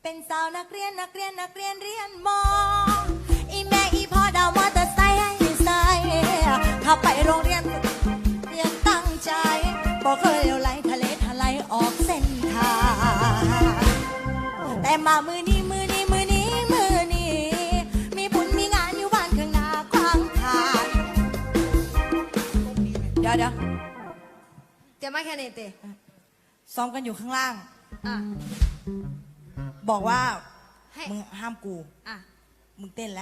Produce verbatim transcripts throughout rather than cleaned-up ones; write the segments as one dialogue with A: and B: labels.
A: เป็นสาวนักเรียนนักเรียนนักเรียนเรียนมออีแม่อีพ่อดาวมอเตอร์ไซค์ให้ใส่ถ้าไปโรงเรียนเรียนตั้งใจบอกเคยเลี้ยวไหลทะเลทลายออกเส้นทางแต่มามือนี้มือนี้มือนี้มือนี้มีบุญมีงานอยู่บ้านข้างหน้าขวางทางเดี๋ยวเดี๋ยว
B: เดี๋ยวมาแค่นี้เตะ
A: ซ้อมกันอยู่ข้างล่าง
B: อ่ะ
A: บอกว่า
B: ให้
A: มึงห้ามกู
B: อ่ะ
A: มึงเต้นแล้ว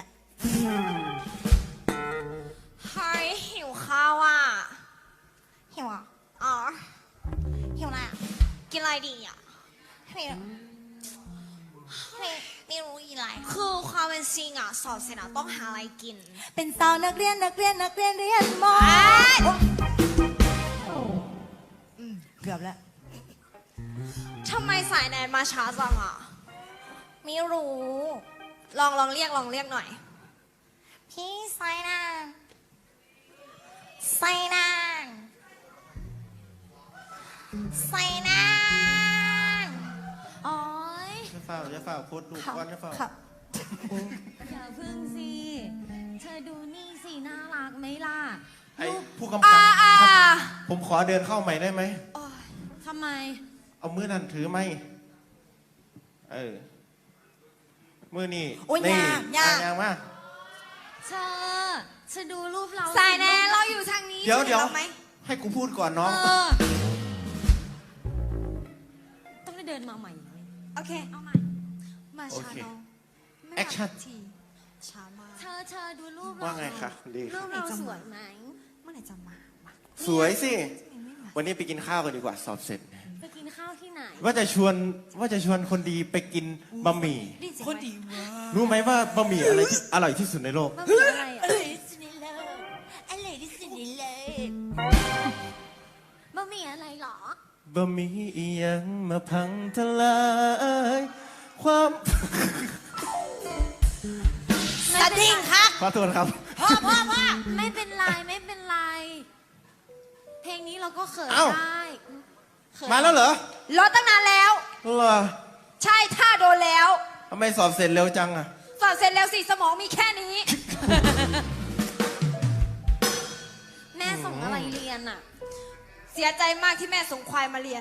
B: เฮ้ยหิวข้าวอ่ะ
A: หิวอ่ะ
B: อ๋อ
A: หิวอะไรอ่ะ
B: กินอะไรดีอ่ะ
A: ไม่ไม่ไม่รู้อีไร
B: คือความเป็นจริงอ่ะสอบเสร็จอ่ะต้องหาอะไรกิน
A: เป็นสาวนักเรียนนักเรียนนักเรียนเรียนมอ
B: เอ้ย
A: อืมเกือบแล้ว
B: ทำไมสายแนนมาช้าจังอ่ะ
A: ไม่รู้
B: ลองลองเรียกลองเรียกหน่อย
A: พี่ไซนางไซนางไซนางอ๋อย
C: จะฝ่าจะฝ่าโคตรดูก้อนจะฝ่า
A: ครับ
D: อย่าพึ่งสิ เธอดูนี่สิ น่ารักไหมล่ะ
C: ไอ้ผู้กำกับ
B: อ่าอ่า
C: ครับผมขอเดินเข้าใหม่ได้ไหม
D: ทำไม
C: เอามือนั่นถือไหมเออมือนี่
A: โอ้ย
C: นี่
A: ยากยาก
C: อ่ะยากมาก
D: เธอเธอดูรูปเรา
B: สายแนนเราอยู่ทางนี้
C: เดี๋ยวเดี๋ยว
B: ห็นราไหม
C: ให้กูพูดก่อนน้อง
D: เออ ต้องได้เดินมาใหม่
B: โอเค
D: เอาใหม่
B: มาช้า
C: โอเค
B: น้องไม่
C: แอคชั่น
B: มาทีช้ามาก
D: เธอเธอดูรูปเรา
C: ว่าไงคะดี
D: รูปเราสวยไหม
B: เมื่อไหร่จะมามา
C: สวยสิ
B: ไม่มา
C: วันนี้ไปกินข้าวกันดีกว่าสอบเสร็จ
D: ไปกินข้าวที่ไหน
C: ว่าจะชวนว่าจะชวนคนดีไปกินบะหมี่
B: ได้เสียง
A: คน
B: ไหม
A: ดีมาก
C: รู้ไหมว่าบะหมี่อะไรที่อร่อยที่สุดในโลก
D: มันมีอะไร
A: อ
D: อ่ะ
A: ร่อยที่สุดในโลกอร่อยที่สุดในโลก
D: บะหมี่อะไรหรอ
C: บะหมี่อีหยังมาพังทลายความ
A: สดิ้งครับ
C: ขอโทษครับ
A: พ่อพ่อพ่อ
D: ไม่เป็นไรไม่เป็นไร เพลงนี้เราก็เขิน
C: เอ้า
D: ได้เขิน
C: มาแล้วเหรอ
B: รถตั้งนานแล้ว
C: เหรอ
B: ใช่ท่าโดนแล้ว
C: ทำไมสอบเสร็จเร็วจังอะ
B: สอบเสร็จแล้วสิสมองมีแค่นี้
D: แม่ส่งอะไรเรียนอ่ะ
B: เสียใจมากที่แม่ส่งควายมาเรียน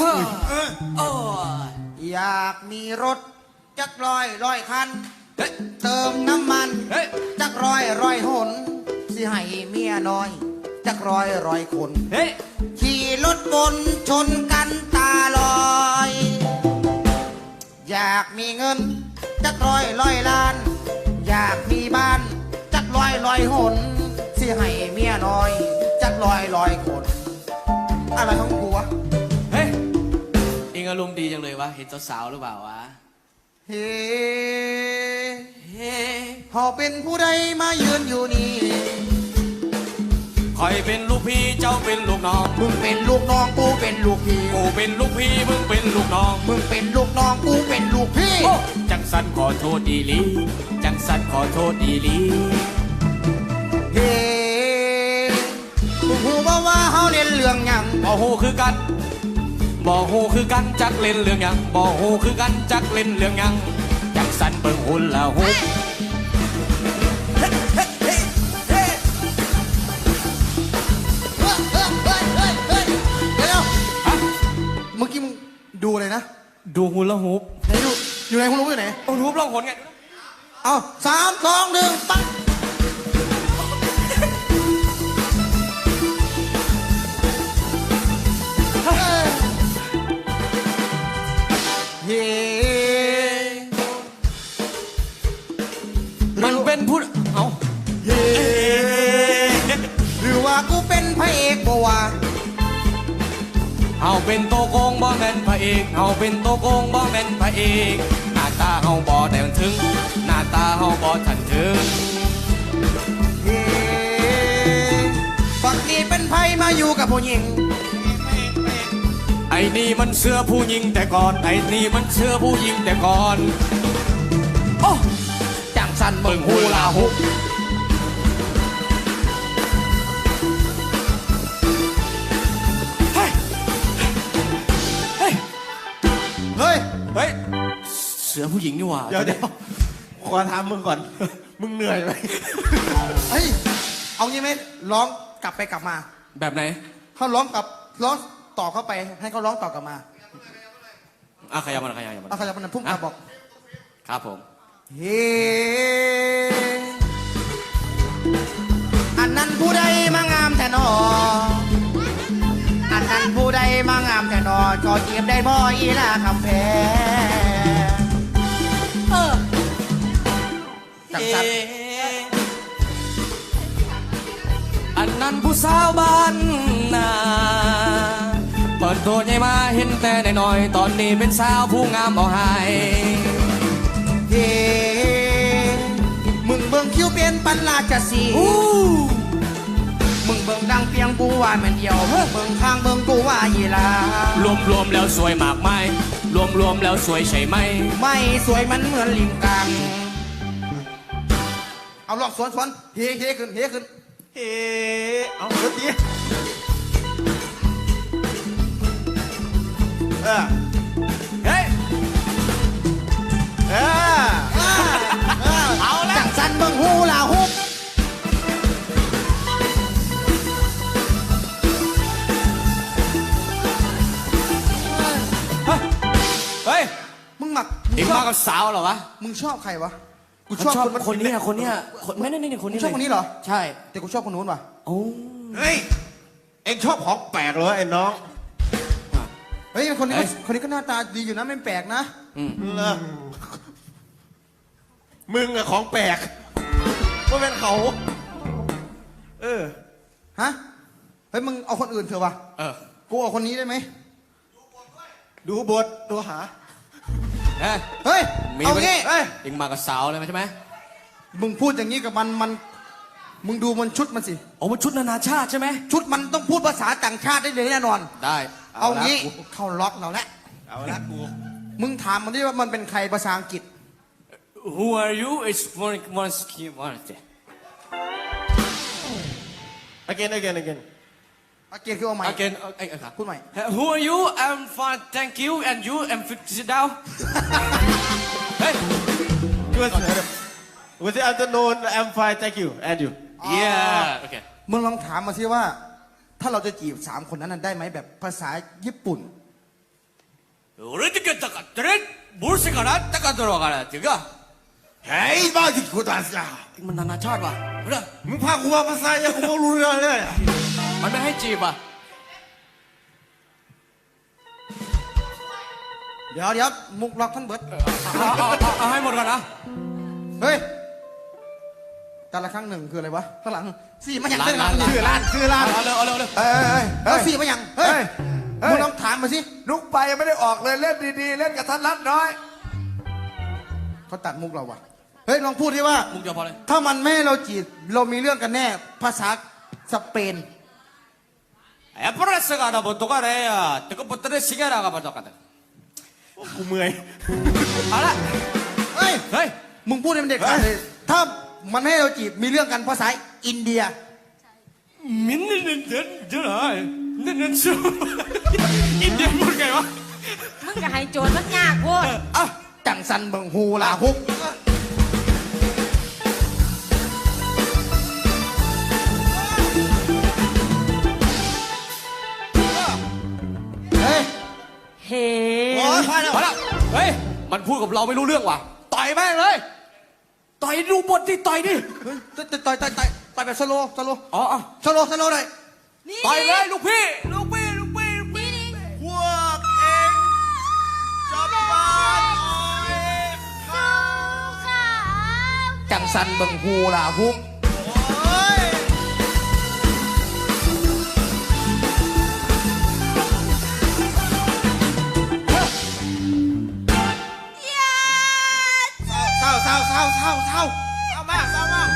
E: อยากมีรถจักร้อยร้อยคัน เติมน้ำมันจักร้อยร้อยหนสิให้เมียน้อยจักร้อยร้อยคนขี่รถบนชนกันตาลอย อยากมีเงินจักร้อยร้อยล้าน อยากมีบ้านจักร้อยร้อยหนสิให้เมียน้อยจักร้อยร้อยคน อะไรของกูวะ
F: เฮ้ยเองอารมณ์ดีจังเลยวะ เห็นสาวๆหรือเปล่าวะ
E: เฮ้
F: เฮ้
E: เขาเป็นผู้ใดมายืนอยู่นี่
F: คอยเป็นลูกพี่เจ้าเป็นลูกน้อง
E: มึงเป็นลูกน้องกูเป็นลูกพี่
F: กูเป็นลูกพี่มึงเป็นลูกน้อง
E: มึงเป็นลูกน้องกูเป็นลูกพี่
F: โอ้จังสันขอโทษดีหลี จังสันขอโทษดีหลี
E: เฮ้กูหูว่าว่าเขาเล่นเรื่องหยัง
F: บ่ฮู้คือกันบ่ฮู้คือกันจักเล่นเรื่องหยังบ่ฮู้คือกันจักเล่นเรื่องหยังจังสันเบิ่งหุ่นละฮุบ
E: เฮ้ยเฮ้ยเฮ้ยเฮ้ยเฮ้ยเดี๋ยว
F: ฮะ
E: เมื่อกี้มึงดูอะไรนะ
F: ดูหุ่นละฮุบ
E: ไหนดูอยู่ไหนคุณรู้อยู่ไหน
F: หุ่นฮุบลองหนไง
E: เอาสามสองหนึ่งปั๊บเฮ้ยเฮ้
F: มันเป็นผู้เอ้า
E: เฮ้หรือว่ากูเป็นพระเอกบ่วะ
F: เฮาเป็นโตโกงบ่แม่นพระเอกเฮาเป็นโตโกงบ่แม่นพระเอกหน้าตาเฮาบ่แต่งถึง หน้าตาเฮาบ่ทันถึง
E: เฮ้ฝักนี้เป็นไพ่มาอยู่กับผู้หญิง
F: ไอ้นี่มันเสื้อผู้หญิงแต่ก่อน ไอ้นี่มันเสื้อผู้หญิงแต่ก่อน
E: โอ้จังสันเบิ่
F: เบิ่
E: ง
F: ง
E: หู
F: ฮู
E: ลา
F: ลา
E: หุ
F: ฮุ
E: บ
F: บ
E: เฮ้ย
F: เฮ้ย
E: ส
F: สือผู้หญิงนี่หว่า
C: เดี๋ยวเดี๋ยวขอถามมึงก่อน มึงเหนื่อยไหม
E: เฮ้ย เอางี้ไหมร้องกลับไปกลับมา
F: แบบไหน
E: เขาร้องกลับร้องต่อเข้าไป ให้เขาร้องต่อกลับมา
F: อ่ะขยับมาขยับมา
E: เอาเขาจะมันพุ่งกลับบอก
F: ครับผม
E: เฮ้อันนั้นผู้ใดมางามแต่นออันนั้นผู้ใดมางามแต่นอก็เก็บได้บ่อีลาคำแพง
A: เออ
E: จังสัน
F: อันนั้นผู้สาวบ้านนาเปิดตัวใหญ่มาเห็นแต่น้อยๆตอนนี้เป็นสาวผู้งามเอาให้
E: เฮ้มึงเบิ่งคิ้วเป็นปันลาจะสี
F: อู้
E: มึงเบิ่งดังเปียงกูว่าแมันเดียวเบิ่งข้างเบิ่งกูว่ายีลาร
F: วมๆแล้วสวยมากไหมรวมๆแล้วสวยใช่ไหม
E: ไม่สวยมันเหมือนลิงกัง เอาลองสวนสวนเฮ้เฮ้ขึ้นเฮ้ขึ้น
C: เฮ้เอาดนตรีเออ
F: เฮ้ย
C: เออ
E: เอาละจังสันเบิ่งหูลาฮุบ
F: เฮ้ย
E: มึงหมัก
F: เอ็งมากับสาวเหรอวะ
E: มึงชอบใครวะ กู
F: ชอบ
E: ชอบ
F: คนนี้อะคนเนี้ยคนไม่นี่นี่คน
E: มึ
F: นี้
E: งชอบคนนี้เหรอ
F: ใช่
E: แต่กูชอบคนนู้นว่ะ
F: โอ้
C: เฮ้ย เอ็งชอบของแปลกเหรอไอ้น้อง
E: เฮ้ยคนนี้ก็คนนี้ก็หน้าตาดีอยู่นะไม่แปลกนะ
F: อืม
C: เหรอมึงอะของแปลกว่าเป็นเขา เออ
E: ฮะ เฮ้ยมึงเอาคนอื่นเถอะวะ
F: เออ
E: กูเอาคนนี้ได้ไหม
C: ดูบทดูหา
F: เฮ้ย
E: เฮ้ย
F: มี
E: เอา
F: ไหม
E: งี้
C: เอ้ย
F: เอ็งมากับสาวเลยไหมใช่ไหม
E: มึงพูดอย่างนี้กับมันมัน มึงดูมันชุดมันสิ
F: โอ้มันชุดนานาชาติใช่ไหม
E: ชุดมันต้องพูดภาษาต่างชาติได้เลยแน่นอน
F: ได้
E: เอางี้เข้าล็อกเราแล้ว
C: เอาละกู
E: มึงถามมันดิว่ามันเป็นใครภาษาอังกฤษ
F: Who are you it's one one skin one
C: again again again
E: อาเกียรคือเอาใหม่
F: again เอ้ยครับ
E: พูดใหม่
F: Who are you I'm fine thank you and you I'm sit down เฮ้ย
C: Good Good afternoon I'm fine thank you and you
F: yeah okay
E: มึงลองถามมาสิว่า ถ้าเราจะจีบสามคนนั้นนะได้ไหมแบบภาษาญี่ปุ่น
F: 俺的かったかってねボルセからたかだろうからっていうか
C: เฮ้ยบ้าที่กูตัดจ้า
F: มันนานาชาติว่ะเฮ้ย
C: มึงพากูมาภาษาอย่างกูไม่รู้เรื่องเลย
F: มันไม่ให้จีบอ่ะ
E: เดี๋ยวเดี๋ยวมุกล็อกทั้งเบิด
F: เอาเอาเอาเอาให้หมดก่อนนะ
E: เฮ้ยแต่ละครั้งหนึ่งคืออะไรวะข้างหลังสี่มาอย่าง
F: ร้าน
E: ข้างหลัง
F: ร้าน
C: ชื่อร้านชื่อร้าน
F: เอาเร็วเอาเร็วเอาเร็ว
G: เอ้ยเอ้ย
E: เฮ้
G: เฮ้
E: ย
G: ย
E: สี่มาอย่างเฮ้ย
G: เฮ้ย
E: มึงลองถามมาสิ
G: นุกไปยังไม่ได้ออกเลยเล่นดีๆ เล่นกับท่านรัดน้อย
E: เขาตัดมุกเราว่ะเฮ้ยลองพูดที่ว่า
F: มุกเดียวพอเลย
E: ถ้ามันไม่ให้เราจีบเรามีเรื่องกันแน่ ภาษาสเปน
F: แอปเปิลสกัดบนตัวอะไรอ่ะแต่ก็บนตัวนี้สิงห์รากับตัวกัน
C: กูเมื่อย
F: เอาละ
E: เฮ้ย
F: เฮ้ย
E: มึงพูดให้มันเด็ดขาดเลยถ้ามันไม่ให้เราจีบมีเรื่องกันภาษาอินเดีย
F: มินนี่นี่เดินเดินอะไรนี่นี่ชูอินเดียพูดไงวะ
B: มึงก็ให้โจทย์มันยากโว้ย
E: อ่ะจังสันเบิงฮูลาฮุกเฮ้ย
B: เฮ้
C: โอ้ยพอแล้ว
F: เอาละเฮ้ยมันพูดกับเราไม่รู้เรื่องว่ะต่อยแม่งเลยต่อยดูบทที่ต่อยดิ
E: เฮ้ยต่อยต่อยต่อยต่อยต่อยแบบสโลว์สโลว์
F: อ๋ออ๋อ
E: สโลว์สโลว์หน่อย
F: ต่อยเลยลูกพี่ลูกพี่ลูกพี่ลูกพี่
C: พวกเองจะบ้านออย
E: จังสันเบิงฮูลาฮุก
C: โอ้ย
E: เศร้าเศร้าเศร้าเศร้าเศร้า
C: เศร้ามากเศร้ามาก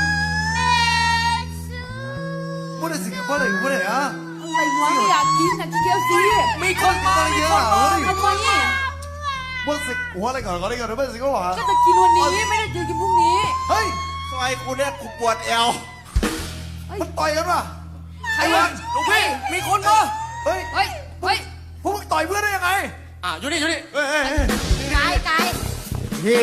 G: พูดได้สิพูดได้พูดได้อะ
B: อะไรวะไม่อยากกินแต่กินเกี๊ยวซี
F: มีคนมา
G: อะไรเยอะอะเฮ้ย
B: ทำไมเนี่ย
G: พูดสิหัวอะไรก่อนก่อนอะไรก่อนเดี๋ยวพูดสิก็หวา
B: ก็จะกินวันนี้ไม่ได้จะกินพรุ่งนี้
G: เฮ้ย
C: ซอยกูเนี่ยกูปวดเอว
G: มันต่อยกันป่ะ
F: ใครวะลูกพี่มีคนมา
G: เฮ้ย
B: เฮ้ย เฮ้ย
G: พวกมึงต่อยเพื่อนได้ยังไง
F: อ่ะอยู่นี่อยู่นี่
C: เฮ้ยเฮ้ยเฮ้ย
B: กายกาย
E: เฮ้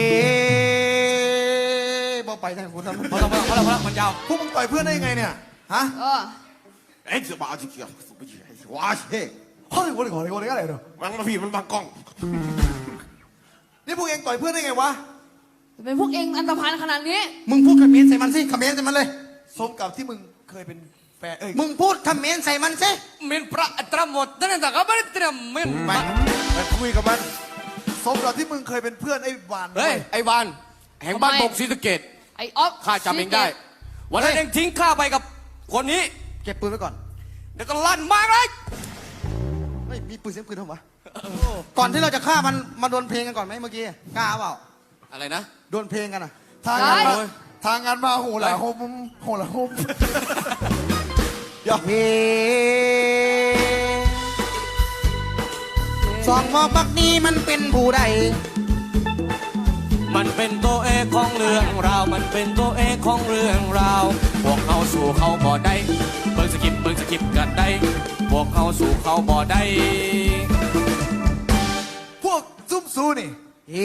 E: บอกไปทางคุณทำ
F: พอแล้วพอแล้วพอแล้วมันยาว
G: พวกมึงต่อยเพื่อนได้ยังไงเนี่ย ฮะ
B: เออ
C: ไอ้จะบ้าจริงๆว้าเช่
G: เฮ้ยวันนี้ก่อนวันนี้อะไรเนาะ
C: มันมาพี่มันบังกล้อง
G: นี่พวกเองต่อยเพื่อนได้ไงวะ
B: เป็นพวกเองอันตรพานขนาดนี้
E: มึงพูดคำเมนใส่มันสิคำเมนใส่มันเลย
G: สมกับที่มึงเคยเป็นแฟน เอ้ย
E: มึงพูดคำเมนใส่มันสิ
F: มินพระตรหมดนั่นแต่ก็ไม่ได้เตรียมมิน
C: ไปไปคุยกับมัน
G: สมกับที่มึงเคยเป็นเพื่อนไอ้วาน
F: เฮ้ยไอ้วานแห่งบ้านบกศรีสะเกด
B: ไอ้ออฟ
F: ข้าจำเองได้ วันนั้นเองทิ้งข้าไปกับคนนี้
E: เก็บปืนไว้ก่อน
F: เดี๋ยวก็ลั่นมากเลย
E: เฮ้ยมีปืนเสียงปืนทำวะก่อนที่เราจะฆ่ามันมาโดนเพลงกันก่อนไหมเมื่อกี้กล้าเปล่า
F: อะไรนะ
E: โดนเพลงกันอ่ะ
G: ทางงานมาทางงานมาโหหล่ะโหมโหหล่ะโหม
E: เฮ้สองหมอกบักนี้มันเป็นผู้ใด
F: มันเป็นตัวเอกของเรื่องราว มันเป็นตัวเอกของเรื่องราว พวกเขาสู่เขาบ่ได้เบิ่งสกิปเบิ่งสกิปกันได้ พวกเขาสู่เขาบ่ได้
G: พวกซุ่มซูนี่
E: เฮ้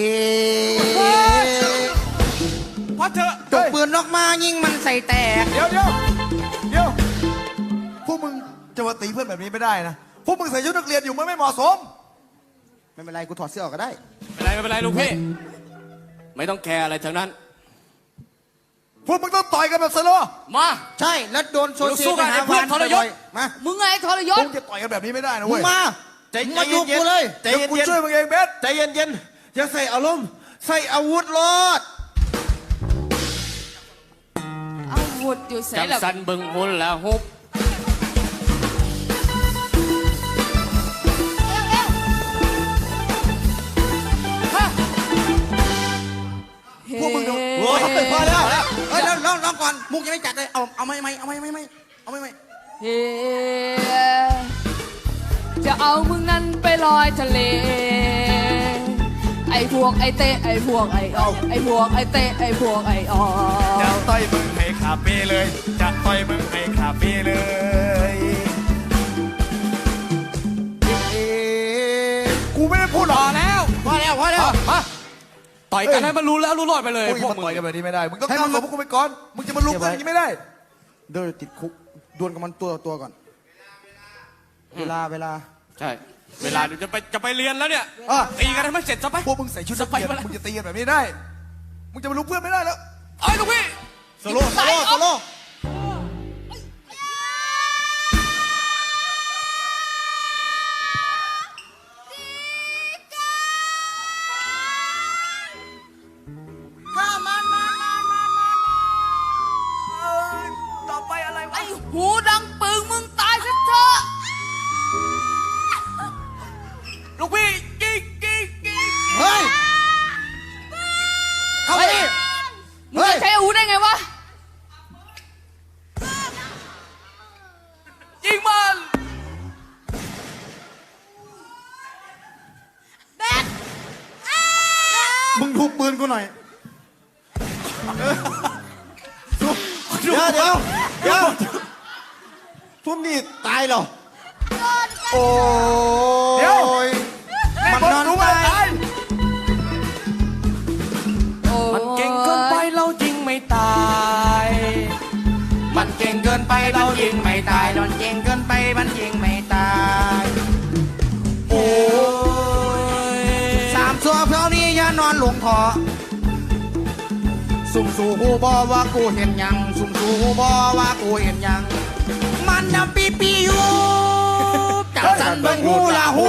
F: พัดเถอะ
E: จกปืนออกมายิงมันใส่แตก
G: เดี๋ยวเดี๋ยวเดี๋ยวพวกมึงจะมาตีเพื่อนแบบนี้ไม่ได้นะ พวกมึงใส่ชุดนักเรียนอยู่มันไม่เหมาะสม
E: ไม่เป็นไรกูถอดเสื้อออกก็ได้
F: ไม่เป็นไรไม่เป็นไรลูกพี่ ไม่ต้องแคร์อะไรทั้งนั้น
G: พวกมึงต้องต่อยกันแบบสโลว์
F: มา
E: ใช่แล้วโดนโซเชีย
F: สู้
E: ลไป
F: กัน
E: หา
F: ไอ้เพื่
E: วา
F: อน
E: น
F: ทรยศ
E: บ่อยๆมา
B: มึงไงทรย
G: พ
B: ศ
G: วกมึงจะต่อยกันแบบนี้ไม่ได้นะ
E: มึ
G: เว้
E: ง
G: ย
E: มา
C: ใจ
E: มึงมาอยู่กูเลย
C: ใจ
G: เดี๋ยว
C: เย็น
G: กู
C: เย็น
G: ช่วยมึงเองเบส
C: ใจเย็นเย็นอย่าใส่อารมณ์ใส่อาวุธรถ
B: เอาวุธอยู่ใส่
F: จัง
B: แบบ
F: สันเบิ่งหุ่นแล้วฮุบ
G: พวกมึงดู
C: โอ้ยพอแล้ว
E: เฮ้ยลองลองก่อนมุกยังไม่จัดเลย เอาเอาไม่ไม่เอาไม่ไม่ไม่เอาไม่ไม่
B: เฮ้จะเอามึงนั้นไปลอยทะเล ไอ้พวกไอ้เตะไอ้พวกไอ้ออกไอ้พวกไอ้เตะไอ้พวกไอ้ออก
G: จะต่อยมึงให้ขาเป้เลย จะต่อยมึงให้ขาเป้เลย กูไม่ได้พูดหร
F: พ
G: อ
F: อก แล้ว
E: พอแล้วพอแล้ว
F: มาต่อยกันให้มันรู้แล้วรู้รอดไปเลย
G: พวก
F: พวก
G: มึง
F: มึง
G: ต่อยกันแบบนี้ไม่ได้ มึงต้อง
E: ให้
G: ก้า
E: มั
G: วน สมพวกกูไปก่อน มึงจะมาลุกกันอย่างนี้ไม่ได้
E: เดินติดคุกดวลกับมันตัวต่อตัวก่อน เวลาเวลา
F: ใช่ เวลาเดี๋ยวจะไปจะไปเรียนแล้วเนี่ย
E: อ่ะ
F: ตีกันให้มันเสร็จซะไป
G: พวกมึงใส่ชุดนักเรียน
F: ไปไป
G: มึงจะตีกันแบบนี้ได้ มึงจะมาลุกเพื่อนไม่ได้แล้ว
F: เอ้ยลูกพี่
E: โซโล่โซโล่โซโล่
G: ต่อไปอะไรวะ
B: ไอ้หูดังปึงมึงตายซะเถอะ
F: ลูกพี่กิ๊กกิ๊กกิ๊ก
E: เฮ้ย เข้าไปดิ
B: มึงจะใช้อาวุธได้ไงวะ
F: ยิงมัน
E: มึงทุบปืนกูหน่อย
C: เดี๋ยวเดี๋ยวเดี๋ยวทุนนี่ตายเหรอ
E: โอ้
G: เดี๋ยว
E: ยมันนอน
G: รู้
E: ตา
G: ว่าย ตาย
F: มันเก่งเกินไปเรายิงไม่ตาย มันเก่งเกินไปเรายิงไม่ตาย
E: นอนเก่งเกินไปมันยิงไม่ตาย
F: โอ้ย
E: สามสัวเพรานี้อย่านอนหลงคอสุ่มสู่หูบอว่ากูเห็นหยัง สุ่มสู่หูบอว่ากูเห็นหยัง มันนำปีปีอยู่จับสันเบิ่งหูละหู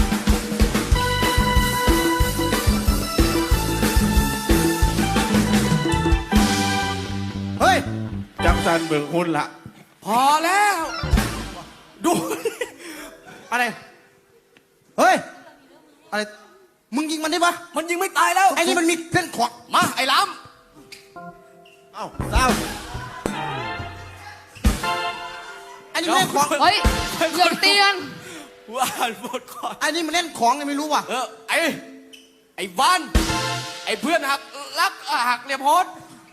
E: เฮ้ย
C: จังสันเบิ่งหุ่นละ
F: พอแล้ว ดู
E: อะไร เฮ้ย อะไร มึงยิงมันได้ปะ
F: มันยิงไม่ตายแล้ว
E: ไอ้นี่มันมีเส้นขวาง
F: มา ไอ้ล้
C: เอ้าเศร้า
E: ไอ้นี่มันเล่นของ
B: เฮ้ยอย่าตีกัน
F: ำว่านหมดก่อน
E: ไอ้นี่มันเล่นของไงไม่รู้ว่ะ
F: เออ ไอ้ ไอ้วัน ไอ้เพื่อนหักรักหักเรียบโพส